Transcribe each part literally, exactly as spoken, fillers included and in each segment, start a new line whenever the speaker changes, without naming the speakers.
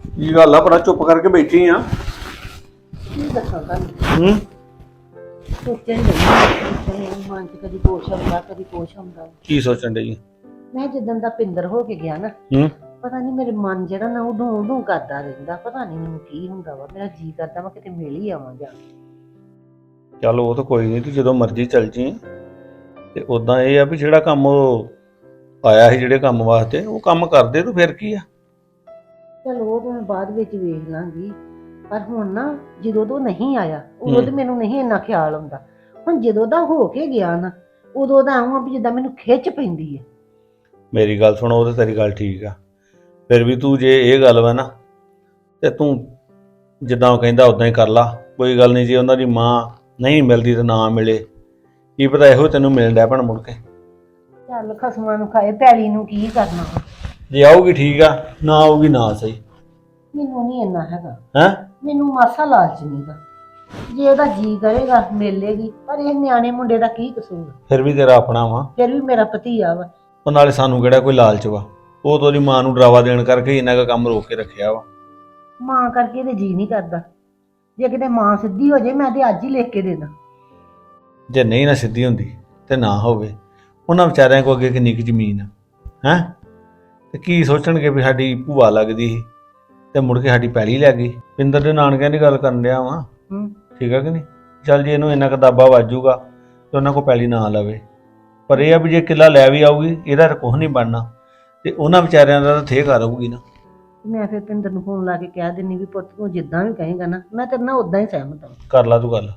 ਕੀ ਗੱਲ ਆ ਬੜਾ ਚੁੱਪ ਕਰਕੇ ਬੈਠੀ ਆ?
ਕੀ ਦੱਸਾਂ ਤੁਹਾਨੂੰ?
ਹੂੰ।
ਸੋਚਣ ਨਹੀਂ ਮਨ ਚ ਕਦੀ ਕੁਛ ਆਉਂਦਾ ਕਦੀ ਕੁਛ ਆਉਂਦਾ।
ਕੀ ਸੋਚਣ ਡਈ?
ਮੈਂ ਜਿੱਦਣ ਦਾ ਪਿੰਦਰ ਹੋ ਕੇ ਗਿਆ ਨਾ,
ਹੂੰ।
ਪਤਾ ਨਹੀਂ ਮੇਰੇ ਮਨ ਜਿਹੜਾ ਨਾ ਉਦੋਂ ਉਦੋਂ ਕਰਦਾ ਰਹਿੰਦਾ। ਪਤਾ ਨਹੀਂ ਮੈਨੂੰ ਕੀ ਹੁੰਦਾ ਵਾ। ਮੇਰਾ ਜੀ ਕਰਦਾ ਵਾ ਕਿਤੇ ਮਿਲ ਹੀ ਆਵਾਂ ਜਾ ਕੇ।
ਚੱਲ ਉਹ ਤਾਂ ਕੋਈ ਨਹੀਂ, ਤੂੰ ਜਦੋਂ ਮਰਜ਼ੀ ਚੱਲ ਜੀ। ਤੇ ਉਦਾਂ ਇਹ ਆ ਵੀ ਜਿਹੜਾ ਕੰਮ ਉਹ ਆਇਆ ਸੀ ਜਿਹੜੇ ਕੰਮ ਵਾਸਤੇ ਉਹ ਕੰਮ ਕਰਦੇ ਤੂੰ, ਫਿਰ ਕੀ ਆ?
ਚਲੋ ਉਹ ਤਾਂ ਮੈਂ ਬਾਅਦ ਵਿੱਚ ਵੇਖ ਲਾਂਗੀ, ਪਰ ਹੁਣ ਨਾ ਜਦੋਂ ਤੋਂ ਨਹੀਂ ਆਇਆ ਉਦੋਂ ਤੇ ਮੈਨੂੰ ਨਹੀਂ ਇੰਨਾ ਖਿਆਲ ਆਉਂਦਾ। ਹੁਣ ਜਦੋਂ ਦਾ ਹੋ ਕੇ ਗਿਆ ਨਾ, ਉਦੋਂ ਦਾ ਆਉਂ ਵੀ ਜਿੱਦਾਂ ਮੈਨੂੰ ਖਿੱਚ ਪੈਂਦੀ ਹੈ।
ਮੇਰੀ ਗੱਲ ਸੁਣ, ਉਹ ਤੇ ਤੇਰੀ ਗੱਲ ਠੀਕ ਆ, ਫਿਰ ਵੀ ਤੂੰ ਜੇ ਇਹ ਗੱਲ ਵਾ ਨਾ ਤੇ ਤੂੰ ਜਿੱਦਾਂ ਉਹ ਕਹਿੰਦਾ ਉਦਾਂ ਹੀ ਕਰ ਲਾ। ਕੋਈ ਗੱਲ ਨਹੀਂ, ਜੇ ਉਹਨਾਂ ਦੀ ਮਾਂ ਨਹੀਂ ਮਿਲਦੀ ਤਾਂ ਨਾ ਮਿਲੇ, ਕੀ ਪਤਾ ਇਹੋ ਤੈਨੂੰ ਮਿਲਣ ਡਿਆ ਭਣ ਮੁੜ ਕੇ।
ਚੱਲ ਖਸਮਾਂ ਨੂੰ ਖਾਏ, ਪੈਲੀ ਨੂੰ ਕੀ ਕਰਨਾ ਵਾ।
ਜੇ ਆਊਗੀ ਠੀਕ ਆ, ਨਾ ਆਊਗੀ ਨਾ ਸਹੀ।
ਮੈਨੂੰ ਨਹੀਂ ਇੰਨਾ ਹੈਗਾ
ਹੈਂ?
ਮੈਨੂੰ ਮਾਸਾ ਲਾਲਚ ਨਹੀਂਗਾ। ਜੇ ਉਹਦਾ ਜੀ ਕਰੇਗਾ ਮਿਲੇਗੀ, ਪਰ ਇਹ ਨਿਆਣੇ ਮੁੰਡੇ ਦਾ ਕੀ ਕਸੂਰ?
ਫਿਰ ਵੀ ਤੇਰਾ ਆਪਣਾ ਵਾ।
ਫਿਰ ਵੀ ਮੇਰਾ ਭਤੀਆ ਵਾ।
ਉਹ ਨਾਲੇ ਸਾਨੂੰ ਕਿਹੜਾ ਕੋਈ ਲਾਲਚ ਵਾ, ਉਹ ਤਾਂ ਉਹਦੀ ਮਾਂ ਨੂੰ ਡਰਾਵਾ ਦੇਣ ਕਰਕੇ ਇਹਨਾਂ ਦਾ ਕੰਮ ਰੋਕ ਕੇ ਰੱਖਿਆ ਵਾ।
ਮਾਂ ਕਰਕੇ ਤੇ ਜੀ ਨਹੀਂ ਕਰਦਾ। ਜੇ ਕਿਤੇ ਮਾਂ ਸਿੱਧੀ ਹੋ ਜੇ ਮੈਂ ਤੇ ਅੱਜ ਹੀ ਲਿਖ ਕੇ ਦੇ ਦਾਂ।
ਜੇ ਨਹੀਂ ਨਾ ਸਿੱਧੀ ਹੁੰਦੀ ਤੇ ਨਾ ਹੋਵੇ, ਉਹਨਾਂ ਵਿਚਾਰਿਆਂ ਕੋਲ ਅੱਗੇ ਕਿੰਨੀ ਕੁ ਜ਼ਮੀਨ ਆ ਹੈਂ, ਤੇ ਕੀ ਸੋਚਣਗੇ ਵੀ ਸਾਡੀ ਭੂਆ ਲੱਗਦੀ ਸੀ ਤੇ ਮੁੜ ਕੇ ਸਾਡੀ ਪੈਲੀ ਲੈ ਗਈ। ਪਿੰਦਰ ਦੇ ਨਾਨਕਿਆਂ ਦੀ ਗੱਲ ਕਰਨ ਡਿਆ ਵਾਂ,
ਹੂੰ
ਠੀਕ ਆ ਕਿ ਨਹੀਂ? ਚੱਲ ਜੇ ਇਹਨੂੰ ਇੰਨਾ ਕਿਤਾਬਾ ਵਾਜੂਗਾ ਤੇ ਉਹਨਾਂ ਕੋਲ ਪੈਲੀ ਨਾ ਲਵੇ, ਪਰ ਇਹ ਆ ਵੀ ਜੇ ਕਿੱਲਾ ਲੈ ਵੀ ਆਊਗੀ ਇਹਦਾ ਤਾਂ ਕੁਛ ਨਹੀਂ ਬਣਨਾ, ਤੇ ਉਹਨਾਂ ਵਿਚਾਰਿਆਂ ਦਾ ਤਾਂ ਥੇ ਕਰ ਆਊਗੀ ਨਾ।
ਮੈਂ ਫਿਰ ਪਿੰਦਰ ਨੂੰ ਫੋਨ ਲਾ ਕੇ ਕਹਿ ਦਿੰਨੀ ਵੀ ਪੁੱਤ ਤੂੰ ਜਿੱਦਾਂ ਵੀ ਕਹੇਗਾ ਨਾ, ਮੈਂ ਤੇਰੇ ਨਾਲ ਉਦਾਂ ਹੀ ਸਹਿਮਤ ਹਾਂ।
ਕਰ ਲਾ ਤੂੰ ਗੱਲ।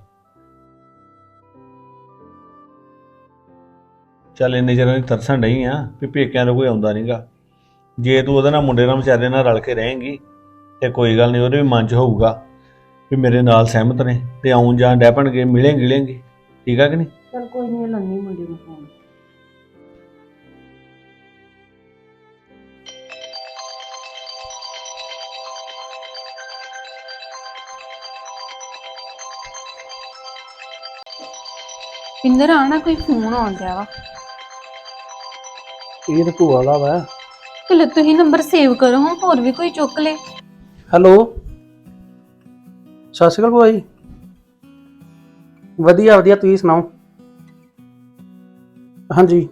ਚੱਲ ਇੰਨੇ ਚਿਰ ਦੀ ਤਰਸਣ ਡਈ ਆ ਵੀ ਪੇਕਿਆਂ ਦਾ ਕੋਈ ਆਉਂਦਾ ਨਹੀਂਗਾ। ਜੇ ਤੂੰ ਉਹਦੇ ਨਾਲ ਮੁੰਡੇ ਨਾਲ ਵਿਚਾਰੇ ਨਾਲ ਰਲ ਕੇ ਰਹੇਂਗੀ ਤੇ ਕੋਈ ਗੱਲ ਨਹੀਂ, ਉਹਦੇ ਵੀ ਮਨ 'ਚ ਹੋਊਗਾ ਵੀ ਮੇਰੇ ਨਾਲ ਸਹਿਮਤ ਨੇ ਤੇ ਆਉਣ ਜਾਣ ਡੈ ਪਣਗੇ, ਮਿਲੇ ਗਿਲੇਂਗੇ, ਠੀਕ ਆ ਕਿ ਨਹੀਂ?
ਚੱਲ ਕੋਈ ਨਹੀਂ, ਲੰਨੀ ਮੁੰਡੇ ਨੂੰ ਫੋਨ।
ਪਿੰਦਰ ਆਣਾ ਕੋਈ ਫੋਨ ਆਉਣ ਡਿਆ ਵਾ।
ਇਹ ਤਾਂ ਭੂਆ ਵਾਲਾ ਵਾ।
ਚਲੋ ਤੁਸੀਂ ਨੰਬਰ ਸੇਵ ਕਰੋ, ਹਾਂ ਹੋਰ ਵੀ ਕੋਈ ਚੁੱਕ ਲੇ।
ਹੈਲੋ, ਸਤਿ ਸ਼੍ਰੀ ਅਕਾਲ ਭੂਆ ਜੀ। ਵਧੀਆ ਵਧੀਆ, ਤੁਸੀਂ ਸੁਣਾਓ? ਹਾਂਜੀ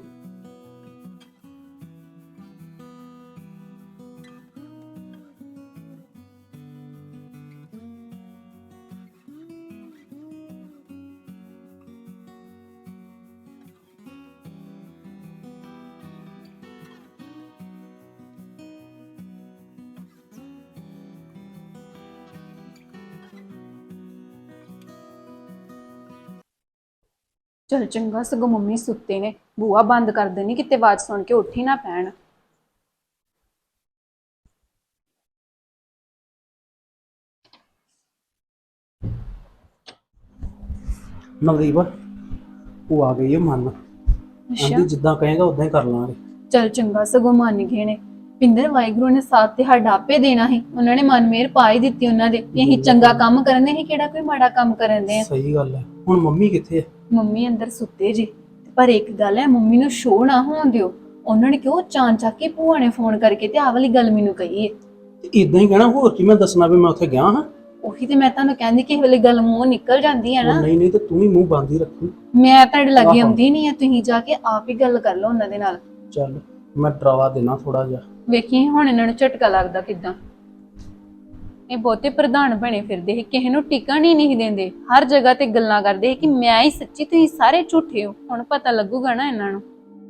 ਚਲ ਚੰਗਾ, ਸਗੋਂ ਮੰਮੀ ਸੁੱਤੇ ਨੇ, ਬੂਆ ਬੰਦ ਕਰ ਦੇਣੀ ਕਿਤੇ ਆਵਾਜ਼ ਸੁਣ ਕੇ ਉੱਠ ਹੀ ਨਾ ਪੈਣ।
ਨਵਦੀਪ, ਭੂਆ ਆ ਗਈ ਹੈ ਮਨ।
ਅੱਛਾ,
ਆਂਦੀ ਜਿੱਦਾਂ ਕਹੇਗਾ ਉਦਾਂ ਹੀ ਕਰ ਲਾਂਗੇ।
ਚਲ ਚੰਗਾ, ਸਗੋਂ ਮੰਨ ਗਏ ਨੇ। ਪਿੰਦਰ ਵਾਹਿਗੁਰੂ ਨੇ ਸਾਥ ਤੇ ਸਾਡਾ ਆਪੇ ਦੇਣਾ ਸੀ, ਉਹਨਾਂ ਨੇ ਮਨ ਮੇਰ ਪਾ ਹੀ ਦਿੱਤੀ ਉਹਨਾਂ ਦੇ ਵੀ ਅਸੀਂ ਚੰਗਾ ਕੰਮ ਕਰਨ ਦੇ, ਅਸੀਂ ਕਿਹੜਾ ਕੋਈ ਮਾੜਾ ਕੰਮ ਕਰਨ ਦੇ ਆ।
ਸਹੀ ਗੱਲ ਹੈ। ਹੁਣ ਮੰਮੀ ਕਿੱਥੇ ਹੈ?
ਮੰਮੀ ਅੰਦਰ ਸੁੱਤੇ ਜੀ, ਪਰ ਇੱਕ ਗੱਲ ਹੈ, ਮੰਮੀ ਨੂੰ ਸ਼ੋਅ ਨਾ ਹੋਣ ਦਿਓ। ਉਹਨਾਂ ਨੇ ਕਿਉਂ ਚਾਂ ਚੱਕ ਕੇ ਭੂਆ ਨੇ ਫੋਨ ਕਰਕੇ ਤੇ ਆਹ ਵਾਲੀ ਗੱਲ ਮੈਨੂੰ ਕਹੀ ਹੈ।
ਇਦਾਂ ਹੀ ਕਹਿਣਾ, ਹੋਰ ਕੀ ਮੈਂ ਦੱਸਣਾ ਵੀ ਮੈਂ ਉੱਥੇ ਗਿਆ ਹਾਂ?
ਉਹੀ ਤੇ ਮੈਂ ਤੁਹਾਨੂੰ ਕਹਿੰਦੀ ਕਿ ਇਹ ਵਾਲੀ ਗੱਲ ਮੂੰਹ ਨਿਕਲ ਜਾਂਦੀ ਹੈ ਨਾ।
ਨਹੀਂ ਨਹੀਂ, ਤੇ ਤੂੰ ਵੀ ਮੂੰਹ ਬੰਦ ਹੀ ਰੱਖੀ।
ਮੈਂ ਤੁਹਾਡੇ ਲੱਗੇ ਆਉਂਦੀ ਨਹੀਂ ਆ, ਤੁਸੀਂ ਜਾ ਕੇ ਆਪ ਹੀ ਗੱਲ ਕਰ ਲਓ ਉਹਨਾਂ ਦੇ ਨਾਲ।
ਚੱਲ ਮੈਂ ਡਰਾਵਾ ਦੇਣਾ ਥੋੜਾ ਜਿਹਾ।
ਵੇਖੀ ਹੁਣ ਇਹਨਾਂ ਨੂੰ ਝਟਕਾ ਲੱਗਦਾ ਕਿਦਾਂ। ਇਹ ਬਹੁਤੇ ਪ੍ਰਧਾਨ ਬਣੇ ਫਿਰਦੇ ਸੀ, ਕਿਸੇ ਨੂੰ ਟਿਕਣ ਹੀ ਨਹੀਂ ਦਿੰਦੇ, ਹਰ ਜਗ੍ਹਾ ਤੇ ਗੱਲਾਂ ਕਰਦੇ ਸੀ ਕਿ ਮੈਂ ਹੀ ਸੱਚੀ, ਤੁਸੀਂ ਸਾਰੇ ਝੂਠੇ ਹੋ। ਹੁਣ ਪਤਾ ਲੱਗੂਗਾ ਨਾ ਇਹਨਾਂ ਨੂੰ।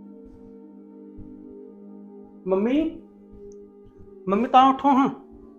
ਮੰਮੀ ਮੰਮੀ ਤਾਂ ਉੱਠੋ ਹਾਂ।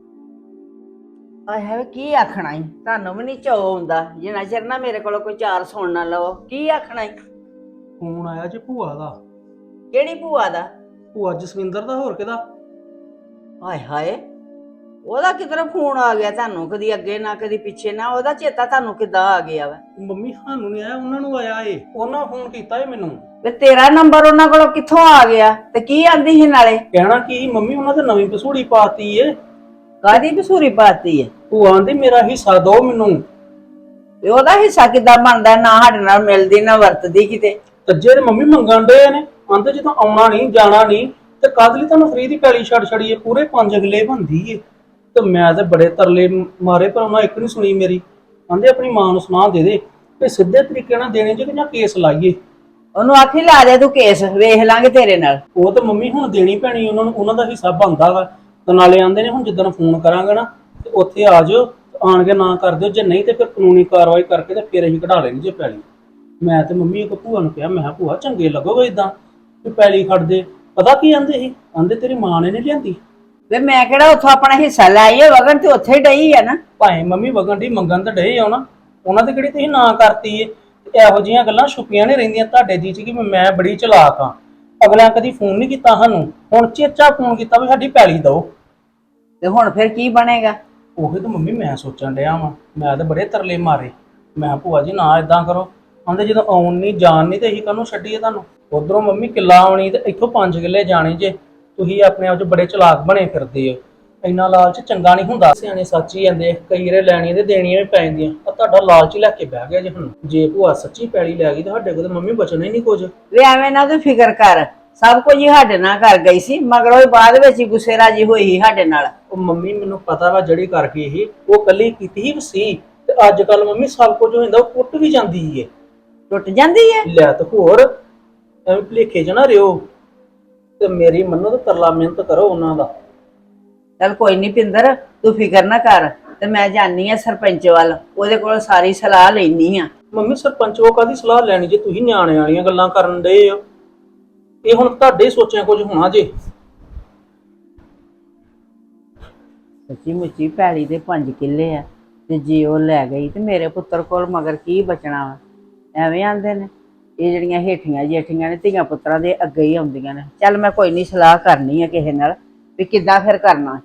ਆਏ ਹੈ ਕੀ ਆਖਣਾ ਈ, ਤੁਹਾਨੂੰ ਵੀ ਨਹੀਂ ਚਾਅ ਹੁੰਦਾ ਜਿੰਨਾ ਚਿਰ ਨਾ ਮੇਰੇ ਕੋਲ ਕੋਈ ਚਾਰ ਸੁਣ ਨਾ ਲਵੋ। ਕੀ ਆਖਣਾ ਈ?
ਫੋਨ ਆਇਆ ਜੀ ਭੂਆ ਦਾ।
ਕਿਹੜੀ ਭੂਆ ਦਾ?
ਭੂਆ ਜਸਵਿੰਦਰ ਦਾ, ਹੋਰ ਕਿਹਦਾ?
ਹਾਏ ਹਾਏ, ਉਹਦਾ ਕਿਧਰੋਂ ਫੋਨ ਆ ਗਿਆ ਤੁਹਾਨੂੰ? ਕਦੀ ਅੱਗੇ ਨਾ ਕਦੀ ਪਿੱਛੇ ਨਾ, ਉਹਦਾ ਚੇਤਾ ਤੁਹਾਨੂੰ ਕਿੱਦਾਂ ਆ ਗਿਆ ਵਾ?
ਮੰਮੀ ਸਾਨੂੰ ਨਹੀਂ ਆਇਆ, ਉਹਨਾਂ ਨੂੰ ਆਇਆ ਏ। ਉਹਨਾਂ ਫੋਨ ਕੀਤਾ ਏ ਮੈਨੂੰ।
ਤੇ ਤੇਰਾ ਨੰਬਰ ਉਹਨਾਂ ਕੋਲੋਂ ਕਿੱਥੋਂ ਆ ਗਿਆ? ਤੇ ਕੀ ਆਂਦੀ ਸੀ ਨਾਲੇ?
ਕਹਿਣਾ ਕੀ ਮੰਮੀ, ਉਹਨਾਂ ਤੇ ਨਵੀਂ ਪਸੂੜੀ ਪਾਤੀ ਏ।
ਕਾਦੀ ਬਸੂਰੀ ਪਾਤੀ ਹੈ?
ਭੂਆ ਆਂਦੀ ਮੇਰਾ ਹਿੱਸਾ ਦੋ ਮੈਨੂੰ।
ਤੇ ਉਹਦਾ ਹਿੱਸਾ ਕਿੱਦਾਂ ਬਣਦਾ? ਨਾ ਸਾਡੇ ਨਾਲ ਮਿਲਦੀ ਨਾ ਵਰਤਦੀ ਕਿਤੇ।
ਤੇ ਜਿਹੜੇ ਮੰਮੀ ਮੰਗਣ ਦੇ ਨੇ, ਆਂਦੇ ਜਦੋਂ ਆਉਣਾ ਨਹੀਂ ਜਾਣਾ ਨਹੀਂ ਤੇ ਕਾਹਦੇ ਲਈ ਤੁਹਾਨੂੰ ਫਰੀ ਦੀ ਪੈਲੀ ਛੱਡ ਛੜੀਏ? ਪੂਰੇ ਪੰਜ ਅਗਲੇ ਬੰਦੀ ਏ ਤੇ ਮੈਂ ਤੇ ਬੜੇ ਤਰਲੇ ਮਾਰੇ ਪਰ ਉਹਨਾਂ ਇੱਕ ਨਹੀਂ ਸੁਣੀ ਮੇਰੀ। ਕਹਿੰਦੇ ਆਪਣੀ ਮਾਂ ਨੂੰ ਸੁਣਾ ਦੇ ਦੇ ਤੇ ਸਿੱਧੇ ਤਰੀਕੇ ਨਾਲ ਦੇਣੇ ਜੇ ਕਿ ਜਾਂ ਕੇਸ ਲਾਈਏ।
ਉਹਨੂੰ ਆਖੀ ਲਾ ਦੇ ਤੂੰ ਕੇਸ, ਵੇਖ ਲਾਂਗੇ ਤੇਰੇ ਨਾਲ।
ਉਹ ਤਾਂ ਮੰਮੀ ਹੁਣ ਦੇਣੀ ਪੈਣੀ ਉਹਨਾਂ ਨੂੰ, ਉਹਨਾਂ ਦਾ ਹਿੱਸਾ ਬਣਦਾ ਵਾ। ਤੇ ਨਾਲੇ ਆਂਦੇ ਨੇ ਹੁਣ ਜਿੱਦਣ ਫੋਨ ਕਰਾਂਗੇ ਨਾ ਤੇ ਉੱਥੇ ਆ ਜਾਓ, ਆਣ ਕੇ ਨਾ ਕਰ ਦਿਓ, ਜੇ ਨਹੀਂ ਤੇ ਫਿਰ ਕਾਨੂੰਨੀ ਕਾਰਵਾਈ ਕਰਕੇ ਤੇ ਫਿਰ ਅਸੀਂ ਕਢਾ ਲੈਣੀ ਜੇ ਪੈਲੀ। ਮੈਂ ਤੇ ਮੰਮੀ ਇੱਕ ਭੂਆ ਨੂੰ ਕਿਹਾ, ਮੈਂ ਕਿਹਾ ਭੂਆ ਚੰਗੇ ਲੱਗੋਗੇ ਇਦਾਂ ਵੀ ਪੈਲੀ ਖੜ ਦੇ। ਪਤਾ ਕੀ ਆਂਦੇ ਸੀ, ਆਂਦੇ ਤੇਰੀ ਮਾਂ ਨੇ ਨਹੀਂ ਲਿਆਂਦੀ।
ਵੇ ਮੈਂ ਕਿਹੜਾ ਉੱਥੋਂ ਆਪਣਾ ਹਿੱਸਾ ਲੈ ਆਈਏ, ਵਗਣ ਤੇ ਉੱਥੇ ਹੀ ਡਈ ਆ ਨਾ।
ਭਾਵੇਂ ਮੰਮੀ ਵਗਣ ਦੀ ਮੰਗਣ ਤਾਂ ਡਏ ਆ ਨਾ, ਉਹਨਾਂ ਤੇ ਕਿਹੜੀ ਤੁਸੀਂ ਨਾ ਕਰਤੀ ਏ। ਤੇ ਇਹੋ ਜਿਹੀਆਂ ਗੱਲਾਂ ਛੁਪੀਆਂ ਨਹੀਂ ਰਹਿੰਦੀਆਂ ਤੁਹਾਡੇ ਜੀ ਚ ਕਿ ਮੈਂ ਬੜੀ ਚਲਾਕ ਆ। ਅਗਲਿਆਂ ਕਦੀ ਫੋਨ ਨਹੀਂ ਕੀਤਾ ਸਾਨੂੰ, ਹੁਣ ਚੇਚਾ ਫੋਨ ਕੀਤਾ ਵੀ ਸਾਡੀ ਪੈਲੀ ਦਓ।
ਤੇ ਹੁਣ ਫਿਰ ਕੀ ਬਣੇਗਾ?
ਉਹੀ ਤਾਂ ਮੰਮੀ ਮੈਂ ਸੋਚਣ ਡਿਆ ਵਾਂ। ਮੈਂ ਤਾਂ ਬੜੇ ਤਰਲੇ ਮਾਰੇ, ਮੈਂ ਭੂਆ ਜੀ ਨਾ ਇਦਾਂ ਕਰੋ। ਕਹਿੰਦੇ ਜਦੋਂ ਆਉਣ ਨਹੀਂ ਜਾਣ ਨਹੀਂ ਤੇ ਅਸੀਂ ਕਾਹਨੂੰ ਛੱਡੀਏ ਤੁਹਾਨੂੰ। ਉਧਰੋਂ ਮੰਮੀ ਕਿੱਲਾ ਆਉਣੀ ਤੇ ਇੱਥੋਂ ਪੰਜ ਕਿੱਲੇ ਜਾਣੇ ਜੇ। ਤੁਸੀਂ ਆਪਣੇ ਆਪ 'ਚ ਬੜੇ ਚਲਾਕ ਬਣੇ ਫਿਰਦੇ ਹੋ। ਇੰਨਾ ਲਾਲਚ ਚੰਗਾ ਨਹੀਂ ਹੁੰਦਾ। ਸਿਆਣੇ ਸੱਚ ਹੀ ਜਾਂਦੇ, ਕਈ ਰੇ ਲੈਣੀਆਂ ਤੇ ਦੇਣੀਆਂ ਵੀ ਪੈ ਜਾਂਦੀਆਂ। ਆ ਤੁਹਾਡਾ ਲਾਲਚ ਹੀ ਲੈ ਕੇ ਬਹਿ ਗਿਆ ਜੇ ਹੁਣ। ਜੇ ਭੂਆ ਸੱਚੀ ਪੈਲੀ ਲੈ ਗਈ ਤਾਂ ਸਾਡੇ ਕੋਲ ਤਾਂ ਮੰਮੀ ਬਚਣਾ ਹੀ ਨਹੀਂ ਕੁਝ।
ਵੇ ਐਵੇਂ ਨਾ ਤੂੰ ਫਿਕਰ ਕਰ, ਸਭ ਕੁਝ ਹੀ ਸਾਡੇ ਨਾਲ ਕਰ ਗਈ ਸੀ, ਮਗਰੋਂ ਹੀ ਬਾਅਦ ਵਿੱਚ ਹੀ ਗੁੱਸੇ ਰਾਜੀ ਹੋਈ ਸੀ ਸਾਡੇ ਨਾਲ।
ਉਹ ਮੰਮੀ ਮੈਨੂੰ ਪਤਾ ਵਾ ਜਿਹੜੀ ਕਰ ਗਈ ਸੀ ਉਹ ਕੱਲੀ ਕੀਤੀ ਹੀ ਸੀ। ਤੇ ਅੱਜ ਕੱਲ ਮੰਮੀ ਸਭ ਕੁਝ ਹੋ ਜਾਂਦਾ, ਉਹ ਕੁੱਟ ਵੀ ਜਾਂਦੀ ਏ।
ਟੁੱਟ ਜਾਂਦੀ ਹੈ
ਲੈ ਤੇ ਹੋਰ ਐਵੇਂ ਭੁਲੇਖੇ ਚ ਨਾ ਰਿਓ। ਤੇ ਮੇਰੀ ਮੰਨੋ ਤੇ ਤਰਲਾ ਮਿਹਨਤ ਕਰੋ ਉਹਨਾਂ ਦਾ।
ਚੱਲ ਕੋਈ ਨਹੀਂ ਪਿੰਦਰ, ਤੂੰ ਫਿਕਰ ਨਾ ਕਰ। ਤੇ ਮੈਂ ਜਾਣੀ ਆ ਸਰਪੰਚ ਵੱਲ, ਉਹਦੇ ਕੋਲ ਸਾਰੀ ਸਲਾਹ ਲੈਣੀ ਆ।
ਮੰਮੀ ਸਰਪੰਚ ਉਹ ਕਾਹਦੀ ਸਲਾਹ ਲੈਣੀ ਜੇ ਤੁਸੀਂ ਨਿਆਣੇ ਵਾਲੀਆਂ ਗੱਲਾਂ ਕਰਨ ਡਏ ਹੋ। ਇਹ ਹੁਣ ਤੁਹਾਡੇ ਸੋਚਿਆ ਕੁਝ ਹੋਣਾ ਜੇ।
ਸੱਚੀ ਮੁੱਚੀ ਪੈਲੀ ਦੇ ਪੰਜ ਕਿੱਲੇ ਆ ਤੇ ਜੇ ਉਹ ਲੈ ਗਈ ਤੇ ਮੇਰੇ ਪੁੱਤਰ ਕੋਲ ਮਗਰ ਕੀ ਬਚਣਾ ਵਾ? ਐਵੇਂ ਆਂਦੇ ਨੇ ਇਹ ਜਿਹੜੀਆਂ ਹੇਠੀਆਂ ਜੇਠੀਆਂ ਨੇ ਧੀਆਂ ਪੁੱਤਰਾਂ ਦੇ ਅੱਗੇ ਹੀ ਆਉਂਦੀਆਂ ਨੇ। ਚੱਲ ਮੈਂ ਕੋਈ ਨਹੀਂ ਸਲਾਹ ਕਰਨੀ ਆ ਕਿਸੇ ਨਾਲ ਵੀ ਕਿੱਦਾਂ ਫਿਰ ਕਰਨਾ।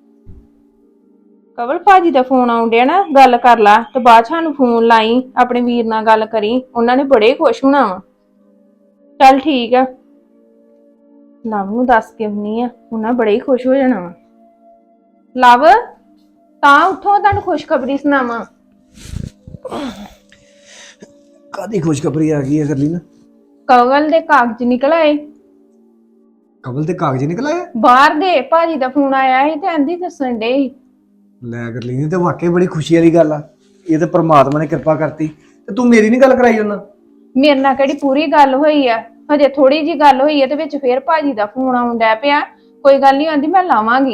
ਕਵਲ ਭਾਜੀ ਦਾ ਫੋਨ ਆਉਣ ਡਿਆ ਨਾ, ਗੱਲ ਕਰ ਲਾ ਤੇ ਬਾਅਦ ਚ ਸਾਨੂੰ ਫੋਨ ਲਾਈ, ਆਪਣੇ ਵੀਰ ਨਾਲ ਗੱਲ ਕਰੀ, ਉਹਨਾਂ ਨੇ ਬੜੇ ਖੁਸ਼ ਹੋਣਾ ਵਾ। ਚੱਲ ਠੀਕ ਆ, ਲਵ ਨੂੰ ਦੱਸ ਕੇ ਆਉਣੀ ਆ, ਉਹਨਾਂ ਬੜੇ ਹੀ ਖੁਸ਼ ਹੋ ਜਾਣਾ ਵਾ। ਲਵ ਤਾਂ ਉੱਥੋਂ ਤੁਹਾਨੂੰ ਖੁਸ਼ਖਬਰੀ ਸੁਣਾਵਾਂ।
ਕਾਦੀ ਖੁਸ਼ਖਬਰੀ ਆ ਗਈ ਹੈ ਗਰਲੀ ਨਾ?
ਕਵਲ ਦੇ ਕਾਗਜ਼ ਨਿਕਲ ਆਏ।
ਕਬਲ ਤੇ ਕਾਗਜ਼ ਨਿਕਲ ਆਇਆ?
ਬਾਹਰ ਦੇ ਭਾਜੀ ਦਾ ਫੋਨ ਆਇਆ ਸੀ ਤੇ ਆਂਦੀ ਦੱਸਣ ਡੇ ਸੀ।
ਲੈ ਗਰਲੀ ਨੇ ਤੇ ਵਾਕਈ ਬੜੀ ਖੁਸ਼ੀ ਵਾਲੀ ਗੱਲ ਆ। ਇਹ ਤੇ ਪ੍ਰਮਾਤਮਾ ਨੇ ਕਿਰਪਾ ਕਰਤੀ। ਤੇ ਤੂੰ ਮੇਰੀ ਨਹੀਂ ਗੱਲ ਕਰਾਈ ਉਹਨਾਂ?
ਮੇਰੇ ਨਾਲ ਕਿਹੜੀ ਪੂਰੀ ਗੱਲ ਹੋਈ ਆ, ਹਜੇ ਥੋੜੀ ਜੀ ਗੱਲ ਹੋਈ ਆ ਤੇ ਵਿੱਚ ਫੇਰ ਭਾਜੀ ਦਾ ਫੋਨ ਆਉਣ ਡੈ ਪਿਆ। ਕੋਈ ਗੱਲ ਨਹੀਂ, ਆਂਦੀ ਮੈਂ ਲਾਵਾਂਗੀ।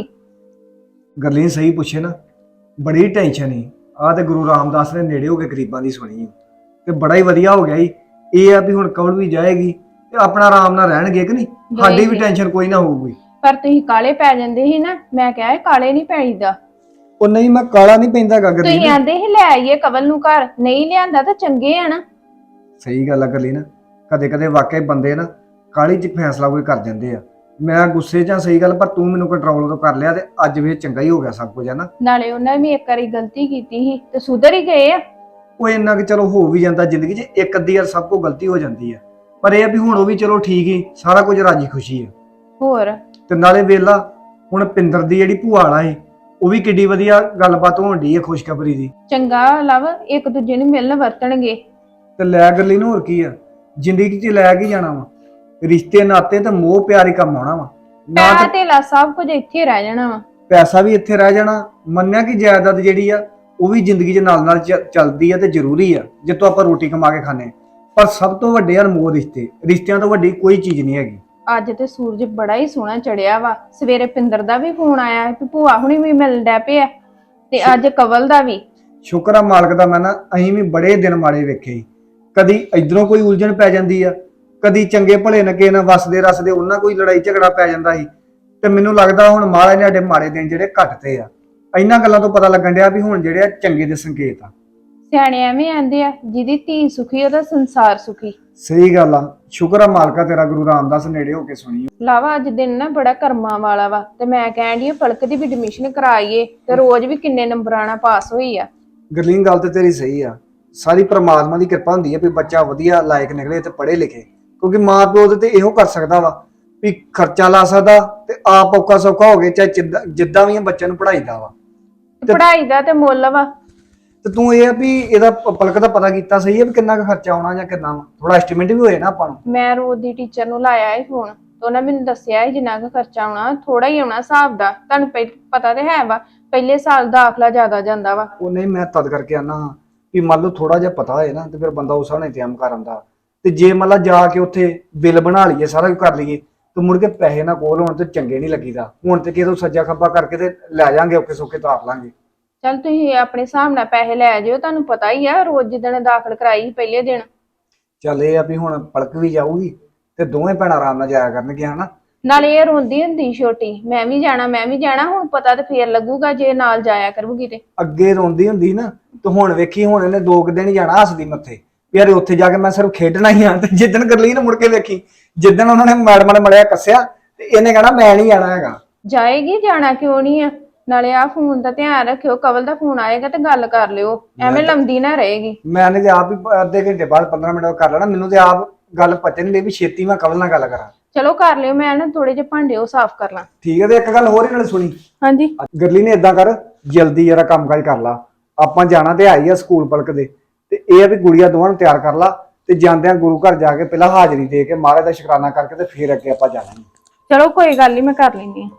ਗਰਲੀ ਨੇ ਸਹੀ ਪੁੱਛੇ ਨਾ, ਬੜੀ ਟੈਨਸ਼ਨ ਸੀ। ਆ ਤੇ ਗੁਰੂ ਰਾਮਦਾਸ ਨੇ ਨੇੜੇ ਹੋ ਕੇ ਗਰੀਬਾਂ ਦੀ ਸੁਣੀ ਤੇ ਬੜਾ ਹੀ ਵਧੀਆ ਹੋ ਗਿਆ ਜੀ। ਇਹ ਆ ਵੀ ਹੁਣ ਕਵਲ ਵੀ ਜਾਏਗੀ ਤੇ ਆਪਣਾ ਆਰਾਮ ਨਾਲ ਰਹਿਣਗੇ ਕਿ ਨਹੀਂ, ਸਾਡੀ ਵੀ ਟੈਨਸ਼ਨ ਕੋਈ ਨਾ ਹੋਊਗੀ।
ਪਰ ਤੁਸੀਂ ਕਾਲੇ ਪੈ ਜਾਂਦੇ ਸੀ ਨਾ, ਮੈਂ ਕਿਹਾ ਇਹ ਕਾਲੇ ਨਹੀਂ ਪੈਈਦਾ।
ਉਹ ਨਹੀਂ, ਮੈਂ ਕਾਲਾ ਨਹੀਂ ਪੈਂਦਾ ਗਰਲੀ।
ਤੁਸੀਂ ਆਂਦੇ ਸੀ ਲੈ ਆਈਏ ਕਵਲ ਨੂੰ ਘਰ, ਨਹੀਂ ਲਿਆਂਦਾ ਤਾਂ ਚੰਗੇ ਆ ਨਾ।
ਸਹੀ ਗੱਲ ਆ ਗਰਲੀ ਨਾ, ਕਦੇ ਕਦੇ ਵਾਕਈ ਬੰਦੇ ਨਾ ਕਾਲੀ ਚ ਫੈਸਲਾ ਕੋਈ ਕਰ ਜਾਂਦੇ ਆ। ਮੈਂ ਗੁੱਸੇ ਚ ਸਹੀ ਗੱਲ, ਪਰ ਤੂੰ ਮੈਨੂੰ ਕੰਟਰੋਲ ਤੋਂ ਕਰ ਲਿਆ ਤੇ ਅੱਜ ਵੀ ਚੰਗਾ ਹੀ ਹੋ ਗਿਆ ਸਭ ਕੁਝ, ਹੈ ਨਾ।
ਨਾਲੇ ਉਹਨਾਂ ਵੀ ਇੱਕ ਵਾਰੀ ਗਲਤੀ ਕੀਤੀ ਸੀ ਤੇ ਸੁਧਰ ਹੀ ਗਏ ਆ।
ਉਹ ਇੰਨਾ ਕਿ ਚਲੋ ਹੋ ਵੀ ਜਾਂਦਾ ਜ਼ਿੰਦਗੀ 'ਚ, ਇੱਕ ਅੱਧੀ ਵਾਰ ਸਭ ਕੋ ਗਲਤੀ ਹੋ ਜਾਂਦੀ ਆ। ਪਰ ਇਹ ਆ ਵੀ ਹੁਣ ਉਹ ਵੀ ਚਲੋ ਠੀਕ ਹੀ, ਸਾਰਾ ਕੁਝ ਰਾਜੀ ਖੁਸ਼ੀ ਆ।
ਹੋਰ
ਤੇ ਨਾਲੇ ਵੇਲਾ ਹੁਣ ਪਿੰਦਰ ਦੀ ਜਿਹੜੀ ਭੂਆ ਵਾਲਾ ਏ, ਉਹ ਵੀ ਕਿੱਡੀ ਵਧੀਆ ਗੱਲਬਾਤ ਹੋਣ ਡਈ ਆ ਖੁਸ਼ਖਬਰੀ ਦੀ।
ਚੰਗਾ ਲਵ, ਇੱਕ ਦੂਜੇ ਨੂੰ ਮਿਲਣ ਵਰਤਣਗੇ।
ਤੇ ਲੈ ਗਰਲੀ ਨੂੰ ਹੋਰ ਕੀ ਆ, ਜ਼ਿੰਦਗੀ 'ਚ ਲੈ ਕੇ ਜਾਣਾ ਵਾ। ਰਿਸ਼ਤੇ ਨਾਤੇ ਤੇ ਮੋਹ ਪਿਆਰ ਹੀ ਕੰਮ ਆਉਣਾ ਵਾ। ਨਾ
ਪੈਸਾ
ਤੇ
ਧੇਲਾ ਸਭ ਕੁਝ ਇੱਥੇ ਰਹਿ ਜਾਣਾ ਵਾ।
ਪੈਸਾ ਵੀ ਇੱਥੇ ਰਹਿ ਜਾਣਾ। ਮੰਨਿਆ ਕਿ ਜਾਇਦਾਦ ਜਿਹੜੀ ਆ ਉਹ ਵੀ ਜ਼ਿੰਦਗੀ 'ਚ ਨਾਲ ਨਾਲ ਚ- ਚੱਲਦੀ ਆ ਤੇ ਜ਼ਰੂਰੀ ਆ, ਜਿੱਤੋਂ ਆਪਾਂ ਰੋਟੀ ਕਮਾ ਕੇ ਖਾਂਦੇ। ਪਰ ਸਭ ਤੋਂ ਵੱਡੇ ਅਨਮੋਲ ਰਿਸ਼ਤੇ, ਰਿਸ਼ਤਿਆਂ ਤੋਂ ਵੱਡੀ ਕੋਈ ਚੀਜ਼ ਨਹੀਂ ਹੈਗੀ।
ਅੱਜ ਤੇ ਸੂਰਜ ਬੜਾ ਹੀ ਸੋਹਣਾ ਚੜਿਆ ਵਾ। ਸਵੇਰੇ ਪਿੰਦਰ ਦਾ ਵੀ ਫੋਨ ਆਇਆ ਕਿ ਭੂਆ ਹੁਣੀ ਵੀ ਮਿਲਣ ਡੈ ਪਏ ਆ, ਤੇ ਅੱਜ ਕਵਲ ਦਾ ਵੀ।
ਸ਼ੁਕਰ ਆ ਮਾਲਕ ਦਾ, ਮੈਂ ਨਾ ਅਸੀਂ ਵੀ ਬੜੇ ਦਿਨ ਮਾੜੇ ਵੇਖੇ ਸੀ। ਕਦੀ ਇਧਰੋਂ ਕੋਈ ਉਲਝਣ ਪੈ ਜਾਂਦੀ ਆ, ਕਦੀ ਚੰਗੇ ਭਲੇ ਨਾ ਕਿਸੇ ਨਾਲ ਵਸਦੇ ਰਸਦੇ ਉਹਨਾਂ ਕੋਈ ਲੜਾਈ ਝਗੜਾ ਪੈ ਜਾਂਦਾ ਸੀ। ਤੇ ਮੈਨੂੰ ਲੱਗਦਾ ਹੁਣ ਮਹਾਰਾਜ ਨੇ ਸਾਡੇ ਮਾੜੇ ਦਿਨ ਜਿਹੜੇ ਘਟਤੇ ਆ। ਇਹਨਾਂ ਗੱਲਾਂ ਤੋਂ ਪਤਾ ਲੱਗਣ ਡਿਆ ਵੀ ਹੁਣ ਜਿਹੜੇ ਆ ਚੰਗੇ ਦੇ ਸੰਕੇਤ ਆ।
ਸਿਆਣੇ ਐਵੇਂ ਆਂਦੇ ਆ, ਜਿਹਦੀ ਧੀ ਸੁਖੀ ਉਹਦਾ ਸੰਸਾਰ ਸੁਖੀ।
ਸਹੀ ਗੱਲ ਆ, ਸ਼ੁਕਰ ਆ ਮਾਲਕਾ ਤੇਰਾ, ਗੁਰੂ ਰਾਮਦਾਸ ਨੇੜੇ ਹੋ ਕੇ ਸੁਣੀ।
ਲਾਵਾ ਅੱਜ ਦਿਨ ਨਾ ਬੜਾ ਕਰਮਾਂ ਵਾਲਾ ਵਾ, ਤੇ ਮੈਂ ਕਹਿਣ ਡਈ ਆ ਪਲਕ ਦੀ ਵੀ ਐਡਮਿਸ਼ਨ ਕਰਾਈਏ, ਤੇ ਰੋਜ਼ ਵੀ ਕਿੰਨੇ ਨੰਬਰਾਂ ਨਾਲ ਪਾਸ ਹੋਈ ਆ।
ਗਰਲੀਨ ਗੱਲ ਤੇ ਤੇਰੀ ਸਹੀ ਆ। ਸਾਰੀ ਪ੍ਰਮਾਤਮਾ ਦੀ ਕਿਰਪਾ ਹੁੰਦੀ ਆ ਵੀ ਬੱਚਾ ਵਧੀਆ ਲਾਇਕ ਨਿਕਲੇ ਤੇ ਪੜ੍ਹੇ ਲਿਖੇ। ਕਿਉਂਕਿ ਮਾਂ ਪਿਓ ਉਹਦੇ ਤੇ ਇਹੋ ਕਰ ਸਕਦਾ ਵਾ ਵੀ ਖਰਚਾ ਲਾ ਸਕਦਾ ਤੇ ਆਪ ਔਖਾ ਸੌਖਾ ਹੋ ਗਏ, ਚਾਹੇ ਜਿੱਦਾਂ ਜਿੱਦਾਂ ਵੀ ਬੱਚਿਆਂ ਨੂੰ ਪੜ੍ਹਾਈਦਾ ਵਾ।
ਪੜ੍ਹਾਈ ਦਾ ਤੇ ਮੁੱਲ ਵਾ।
ਤੇ ਤੂੰ ਇਹ ਆ ਵੀ ਇਹਦਾ ਪ- ਪਲਕ ਦਾ ਪਤਾ ਕੀਤਾ ਸਹੀ ਆ ਵੀ ਕਿੰਨਾ ਕੁ ਖਰਚਾ ਆਉਣਾ ਜਾਂ ਕਿੰਨਾ ਵਾ, ਥੋੜਾ ਐਸਟੀਮੇਟ ਵੀ ਹੋਏ ਨਾ ਆਪਾਂ ਨੂੰ।
ਮੈਂ ਰੋਜ਼ ਦੀ ਟੀਚਰ ਨੂੰ ਲਾਇਆ ਏ ਫੋਨ, ਤੇ ਉਹਨਾਂ ਮੈਨੂੰ ਦੱਸਿਆ ਸੀ ਜਿੰਨਾ ਕੁ ਖਰਚਾ ਆਉਣਾ ਥੋੜਾ ਹੀ ਆਉਣਾ ਹਿਸਾਬ ਦਾ। ਤੁਹਾਨੂੰ ਪਹਿ- ਪਤਾ ਤੇ ਹੈ ਵਾ ਪਹਿਲੇ ਸਾਲ ਦਾਖਲਾ ਜ਼ਿਆਦਾ ਜਾਂਦਾ ਵਾ।
ਉਹ ਨਹੀਂ, ਮੈਂ ਤਦ ਕਰਕੇ ਆਨਾ ਹਾਂ ਵੀ ਮੰਨ ਲਓ ਥੋੜਾ ਜਿਹਾ ਪਤਾ ਹੋਏ ਨਾ ਤੇ ਫਿਰ ਬੰਦਾ ਉਸ ਹਿਸਾਬ ਨਾਲ ਇੰਤਜ਼ਾਮ ਕਰ ਆਉਂਦਾ। ਤੇ ਜੇ ਮੰਨ ਲਾ ਜਾ ਕੇ ਉੱਥੇ ਬਿੱਲ ਬਣਾ ਲਈਏ, ਸਾਰਾ ਕੁਝ ਕਰ ਲਈਏ ਤੇ ਮੁੜ ਕੇ ਪੈਸੇ ਨਾ ਕੋਲ ਹੋਣ ਤੇ ਚੰਗੇ ਨਹੀਂ ਲੱਗੀਦਾ। ਹੁਣ ਤੇ ਕਿਦੋਂ ਸੱਜਾ ਖੱਬਾ ਕਰਕੇ ਤੇ ਲੈ ਜਾਾਂਗੇ, ਔਖੇ ਸੌਖੇ ਤਾਰ ਲਾਂਗੇ।
ਚੱਲ ਤੁਸੀਂ ਆਪਣੇ ਹਿਸਾਬ ਨਾਲ ਪੈਸੇ ਲੈ ਜਿਓ, ਤੁਹਾਨੂੰ ਪਤਾ ਹੀ ਆ ਰੋਜ਼ ਜਿੱਦਣ ਦਾਖਲ ਕਰਾਈ ਸੀ ਪਹਿਲੇ ਦਿਨ।
ਚੱਲ ਇਹ ਆ ਵੀ ਹੁਣ ਪਲਕ ਵੀ ਜਾਊਗੀ ਤੇ ਦੋਵੇਂ ਭੈਣਾਂ ਆਰਾਮ ਨਾਲ ਜਾਇਆ ਕਰਨਗੀਆਂ ਹਨਾ।
ਨਾਲੇ ਇਹ ਰੋਂਦੀ ਹੁੰਦੀ ਛੋਟੀ, ਮੈਂ ਵੀ ਜਾਣਾ ਮੈਂ ਵੀ ਜਾਣਾ। ਹੁਣ ਪਤਾ ਤੇ ਫੇਰ ਲੱਗੂਗਾ ਜੇ ਨਾਲ ਜਾਇਆ ਕਰੂਗੀ ਤੇ।
ਅੱਗੇ ਰੋਂਦੀ ਹੁੰਦੀ ਨਾ ਤੇ ਹੁਣ ਵੇਖੀ, ਹੁਣ ਇਹਨੇ ਦੋ ਕੁ ਦਿਨ ਹੀ ਜਾਣਾ ਹੱਸਦੀ ਮੱਥੇ ਵੀ ਯਾਰ ਉੱਥੇ ਜਾ ਕੇ ਮੈਂ ਸਿਰਫ ਖੇਡਣਾ ਹੀ ਆ। ਤੇ ਜਿੱਦਣ ਕਰ ਲਈ ਨਾ ਮੁੜ ਕੇ ਵੇਖੀ, ਜਿੱਦਣ ਉਹਨਾਂ ਨੇ ਮੈਡਮਾਂ ਨੇ ਮੜਿਆ ਕੱਸਿਆ ਤੇ ਇਹਨੇ ਕਹਿਣਾ ਮੈਂ ਨਹੀਂ ਜਾਣਾ ਹੈਗਾ।
ਜਾਏਗੀ, ਜਾਣਾ ਕਿਉਂ ਨਹੀਂ ਆ। ਨਾਲੇ ਆ ਫੋਨ ਦਾ ਧਿਆਨ ਰੱਖਿਓ, ਕਵਲ ਦਾ ਫੋਨ ਆਏਗਾ ਤੇ ਗੱਲ ਕਰ ਲਿਓ, ਐਵੇਂ ਲੰਮਦੀ ਨਾ ਰਹੇਗੀ।
ਮੈਂ ਨੇ ਤੇ ਆਪ ਹੀ ਅੱਧੇ ਘੰਟੇ ਬਾਅਦ ਪੰਦਰਾਂ ਮਿੰਟ ਬਾਅਦ ਕਰ ਲੈਣਾ। ਮੈਨੂੰ ਤੇ ਆਪ ਗੱਲ ਪਤਾ ਨਹੀਂ ਲਈ ਵੀ ਛੇਤੀ ਮੈਂ ਕਵਲ ਨਾਲ ਗੱਲ ਕਰਾਂ।
ਚਲੋ ਕਰ ਲਿਓ, ਮੈਂ ਨਾ ਥੋੜੇ ਜਿਹੇ ਭਾਂਡੇ ਉਹ ਸਾਫ਼ ਕਰ ਲਾਂ।
ਠੀਕ ਹੈ, ਤੇ ਇੱਕ ਗੱਲ ਹੋਰ ਹੀ ਨਾਲ ਸੁਣੀ।
ਹਾਂਜੀ।
ਗਰਲੀ ਨੇ ਏਦਾਂ ਕਰ, ਜਲਦੀ ਜਰਾ ਕੰਮ ਕਾਜ ਕਰ ਲਾ। ਆਪਾਂ ਜਾਣਾ ਤੇ ਆਈ ਆ ਸਕੂਲ ਪਲਕ ਦੇ, ਤੇ ਇਹ ਆ ਵੀ ਗੁੜੀਆ ਦੋਵਾਂ ਨੂੰ ਤਿਆਰ ਕਰ ਲਾ ਤੇ ਜਾਂਦਿਆਂ ਗੁਰੂ ਘਰ ਜਾ ਕੇ ਪਹਿਲਾਂ ਹਾਜ਼ਰੀ ਦੇ ਕੇ ਮਹਾਰਾਜ ਦਾ ਸ਼ੁਕਰਾਨਾ ਕਰਕੇ ਤੇ ਫਿਰ ਅੱਗੇ ਆਪਾਂ ਜਾਣਾ।
ਚਲੋ ਕੋਈ ਗੱਲ ਨਹੀਂ, ਮੈਂ ਕਰ ਲੈਂਦੀ ਹਾਂ।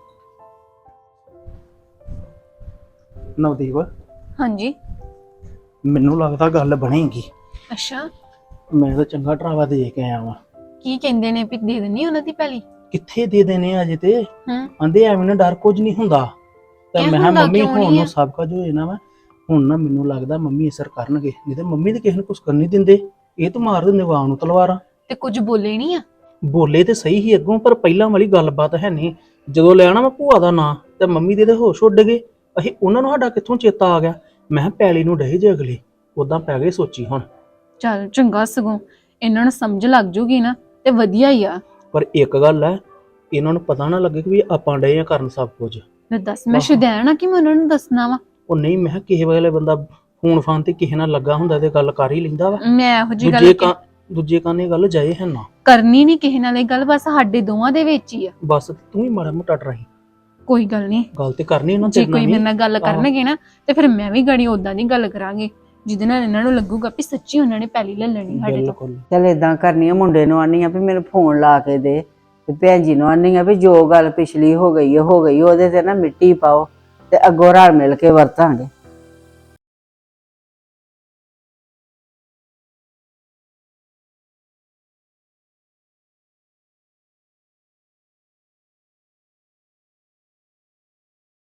ਨਵਦੀਪ,
ਹਾਂਜੀ।
ਮੈਨੂੰ ਲੱਗਦਾ ਗੱਲ ਬਣੇਗੀ।
ਅੱਛਾ,
ਮੈਂ ਤਾਂ ਚੰਗਾ ਡਰਾਵਾ ਦੇ ਕੇ ਆਇਆ ਵਾਂ।
ਕੀ ਕਹਿੰਦੇ ਨੇ ਵੀ ਦੇ ਦੇਣੀ ਉਹਨਾਂ ਦੀ ਪਹਿਲੀ?
ਕਿੱਥੇ ਦੇ ਦੇਣੇ ਆ ਅਜੇ ਤੇ।
ਹੂੰ।
ਆਂਦੇ ਐਵੇਂ ਨਾ ਡਰ ਕੁਝ ਨਹੀਂ ਹੁੰਦਾ। ਤੇ
ਕਿਉਂ
ਮੈਂ ਕਿਹਾ
ਹੁੰਦਾ,
ਮੰਮੀ
ਕਿਉਂ
ਹੁਣ
ਨਹੀਂ ਆ?
ਨੂੰ ਸਭ ਕੁਝ ਹੋਏ ਨਾ ਵਾ। ਹੁਣ ਨਾ ਮੈਨੂੰ ਲੱਗਦਾ ਮੰਮੀ ਅਸਰ ਕਰਨਗੇ, ਨਹੀਂ ਤੇ ਮੰਮੀ ਤੇ ਕਿਸੇ ਨੂੰ ਕੁਝ ਕਰਨ ਨਹੀਂ ਦਿੰਦੇ। ਇਹ ਤਾਂ ਮਾਰ ਦਿੰਦੇ ਵਾਂ ਨੂੰ ਤਲਵਾਰਾਂ।
ਤੇ ਕੁਝ ਬੋਲੇ ਨਹੀਂ ਆ?
ਬੋਲੇ ਤੇ ਸਹੀ ਹੀ ਅੱਗੋਂ, ਪਰ ਪਹਿਲਾਂ ਵਾਲੀ ਗੱਲਬਾਤ ਹੈ ਨਹੀਂ। ਜਦੋਂ ਲੈਣਾ ਮੈਂ ਭੂਆ ਦਾ ਨਾਂ ਤੇ ਮੰਮੀ ਦੇ ਤੇ ਹੋਸ਼ ਉੱਡ ਗਏ। ਅਸੀਂ ਉਹਨਾਂ ਨੂੰ ਸਾਡਾ ਕਿੱਥੋਂ ਚੇਤਾ ਆ ਗਿਆ। ਮੈਂ ਕਿਹਾ ਪੈਲੀ ਨੂੰ ਡਹੇ ਜੇ ਅਗਲੇ, ਉਦਾਂ ਪੈ ਗਏ ਸੋਚੀ ਹੁਣ।
ਚੱਲ ਚੰਗਾ, ਸਗੋਂ ਇਹਨਾਂ ਨੂੰ ਸਮਝ ਲੱਗ ਜੂਗੀ ਨਾ ਤੇ ਵਧੀਆ ਹੀ ਆ।
ਪਰ ਇੱਕ ਗੱਲ ਹੈ, ਇਹਨਾਂ ਨੂੰ ਪਤਾ ਨਾ ਲੱਗੇ ਕਿ ਵੀ ਆਪਾਂ ਡਏ ਆ ਕਰਨ ਸਭ ਕੁਝ।
ਲੈ ਦੱਸ, ਮੈਂ ਸ਼ੁਦੈਣ ਆ ਕਿ ਮੈਂ ਉਹਨਾਂ ਨੂੰ ਦੱਸਣਾ ਵਾ?
ਉਹ ਨਹੀਂ, ਮੈਂ ਕਿਹਾ ਕਿਸੇ ਵੇਲੇ ਬੰਦਾ ਫੋਨ ਫਾਨ ਤੇ ਕਿਸੇ ਨਾਲ ਲੱਗਾ ਹੁੰਦਾ ਤੇ ਗੱਲ ਕਰ ਹੀ ਲੈਂਦਾ ਵਾ।
ਮੈਂ ਇਹੋ ਜੀ
ਦੂਜੇ
ਗੱਲ
ਕਾਂ ਦੂਜੇ ਕਾਨੇ ਗੱਲ ਜਾਏ ਹੈ ਨਾ।
ਕਰਨੀ ਨਹੀਂ ਕਿਸੇ ਨਾਲ, ਇਹ ਗੱਲ ਬਸ ਸਾਡੇ ਦੋਵਾਂ ਦੇ ਵਿੱਚ ਹੀ ਆ।
ਬਸ ਤੂੰ ਹੀ ਮਾੜਾ ਮੋਟਾ ਡਰਾਈ,
ਕੋਈ ਗੱਲ ਨਹੀਂ।
ਗੱਲ ਤੇ ਕਰਨੀ ਉਹਨਾਂ
ਜੇ
ਤੇ
ਕੋਈ ਮੇਰੇ ਨਾਲ ਗੱਲ ਕਰਨਗੇ ਨਾ ਤੇ ਫਿਰ ਮੈਂ ਵੀ ਗੜੀ ਉਦਾਂ ਦੀ ਗੱਲ ਕਰਾਂਗੇ ਜਿਹਦੇ ਨਾਲ ਇਹਨਾਂ ਨੂੰ ਲੱਗੂਗਾ ਵੀ ਸੱਚੀ ਉਹਨਾਂ ਨੇ ਪਹਿਲੀ ਲੈ ਲੈਣੀ ਸਾਡੇ ਤੋਂ।
ਬਿਲਕੁਲ।
ਚੱਲ ਏਦਾਂ ਕਰਨੀ ਆ, ਮੁੰਡੇ ਨੂੰ ਆਨੀ ਆ ਵੀ ਮੈਨੂੰ ਫੋਨ ਲਾ ਕੇ ਦੇ, ਤੇ ਭੈਣ ਜੀ ਨੂੰ ਆਨੀ ਆ ਵੀ ਜੋ ਗੱਲ ਪਿਛਲੀ ਹੋ ਗਈ ਹੈ ਹੋ ਗਈ, ਉਹਦੇ ਤੇ ਨਾ ਮਿੱਟੀ ਪਾਓ ਤੇ ਅੱਗੋਂ ਰਲ ਮਿਲ ਕੇ ਵਰਤਾਂਗੇ।